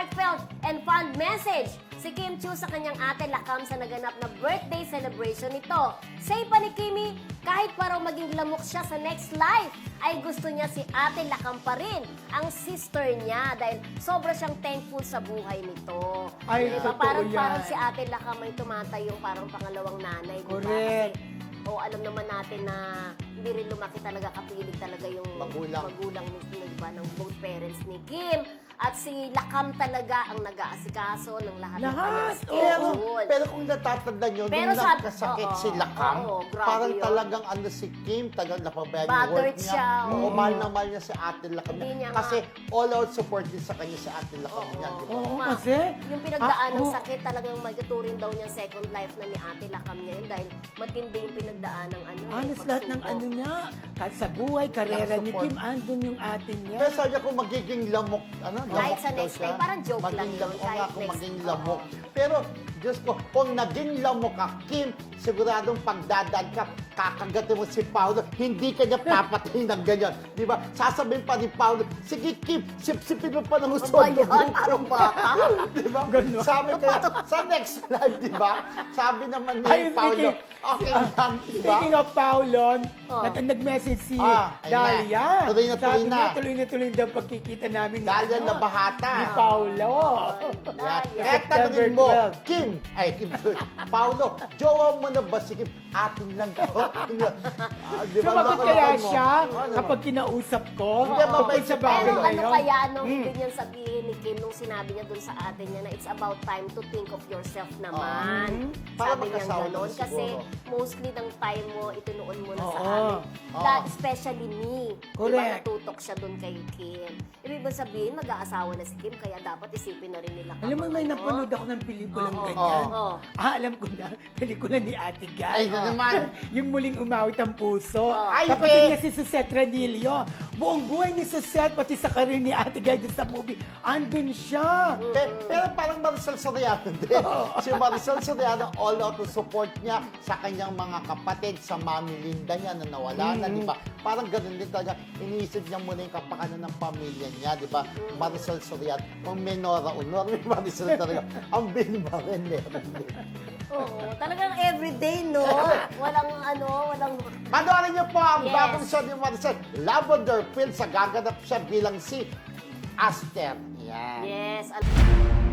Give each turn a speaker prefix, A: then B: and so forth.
A: heartfelt and fond message si Kim Chiu sa kanyang ate Lakam sa naganap na birthday celebration nito. Say pa ni Kimi, kahit parang maging lamok siya sa next life, ay gusto niya si ate Lakam pa rin, ang sister niya, dahil sobra siyang thankful sa buhay nito.
B: Ay,
A: Diba?
B: totoo yan.
A: Parang si ate Lakam ay tumatayong parang pangalawang nanay. Diba?
B: Correct.
A: O alam naman natin na hindi rin lumaki talaga, kapilig talaga yung magulang ni, diba, ng both parents ni Kim. At si Lakam talaga ang nag-aasikaso ng lahat ng kanyang schedule.
C: Pero kung natatanda nyo,
A: Pero
C: nung
A: sabi-
C: nagkasakit
A: oo,
C: si Lakam,
A: oo, grabe
C: parang
A: yun.
C: talagang si Kim, tagang napabayaan yung
A: Battered
C: work niya.
A: siya,
C: Oo,
A: oo.
C: mahal na mahal niya si Ate Lakam.
A: Hindi niya
C: Kasi all out support din sa kanya si Ate Lakam niya. Di ba?
B: Oo,
A: Ma,
B: kasi...
A: yung pinagdaan ng
B: oo.
A: sakit, talagang magtuturing daw niya second life na ni Ate Lakam niya yun dahil matindi yung pinagdaan ng
B: Halos lahat ng ano niya, kahit sa buhay, karera ni
C: Support.
B: Kim, andun yung atin niya.
C: Pero sabi niya kung magiging lamok,
A: Kahit sa
C: daw
A: next
C: siya.
A: time, parang joke lang
C: Maging
A: yun,
C: lamok, oo
A: kahit
C: nga, kung
A: next-
C: maging lamok. Pero, Diyos ko, kung naging lamok ka, Kim, siguradong pagdadaan ka, kakagatin mo si Paolo, hindi ka niya papatayin ng ganyan. Di ba? Sasabihin pa ni Paolo, sige Kim, sip-sipin mo pa ng gusto.
A: Ba yan? Parang bata.
C: Di ba?
B: Ganun.
C: Sabi ko, sa next live, di ba? Sabi naman ni
B: Ay,
C: Paolo, okay lang, di ba?
B: Speaking of Paulon,
A: Oh.
B: nag-message si
C: Ayun
B: Dalia.
C: na. Tuloy na tuloy
B: Sabi
C: na.
B: niya, tuloy na daw pagkikita namin ni,
C: Dalia
B: ano,
C: na bahata.
B: ni Paulo.
C: Yeah.
A: Dalia.
C: Kaya tanongin mo,
B: September 12.
C: Kim, Paolo, jowa mo na ba si Kim? Atin lang ko. Di ba?
B: Sumagot
C: Loko-loko
B: kaya
C: mo.
B: siya
C: Ano?
B: kapag kinausap ko?
C: Hindi, mabait
B: Tungkol sa
C: si
B: bagay
A: Pero
B: na
A: ano
B: yun?
A: kaya nung hindi niyan sabihin ni Kim nung sinabi niya dun sa ate niya na it's about time to think of yourself naman.
C: Para
A: Sabi niya
C: magkasawa
A: gano'n.
C: naman
A: Kasi
C: siguro.
A: mostly ng time mo, itinuon mo na sa
B: Oo.
A: amin.
C: Oo.
A: Especially me.
B: Correct.
A: Diba natutok siya dun kay Kim. Ibig ba sabihin, mag-aasawa na si Kim, kaya dapat isipin na rin nila.
B: Alam mo, may
A: ano?
B: napanood ako ng pelikulang
A: Oo.
B: ganyan.
A: Oo.
B: Alam ko na, pelikula ni Ate Guy.
C: Ay, na naman.
B: Yung muling umawit ang puso.
C: Ay,
B: Kapatid
C: be!
B: niya si Suzette Ranillo. Buong buhay ni Suzette, pati sa karir ni Ate Guy dun sa movie, andun siya.
C: Pero parang Maricel Soriano din. Si Maricel Soriano, all out to support niya sa kanyang mga kapatid, sa Mami Linda niya na nawala na, di ba? Parang ganun din talaga. Iniisip niya muna yung kapakanan ng pamilya niya, di ba? Maricel Soriano, kung may Nora Honor, may Maricel talaga. Ang binba rin, meron din.
A: Oo, talagang everyday, no? Walang...
C: Panoorin niyo po ang
A: Yes.
C: bagong show ni Maricel, Lavender Fields, sa gaganap siya bilang si Aster. Yan.
A: Yes.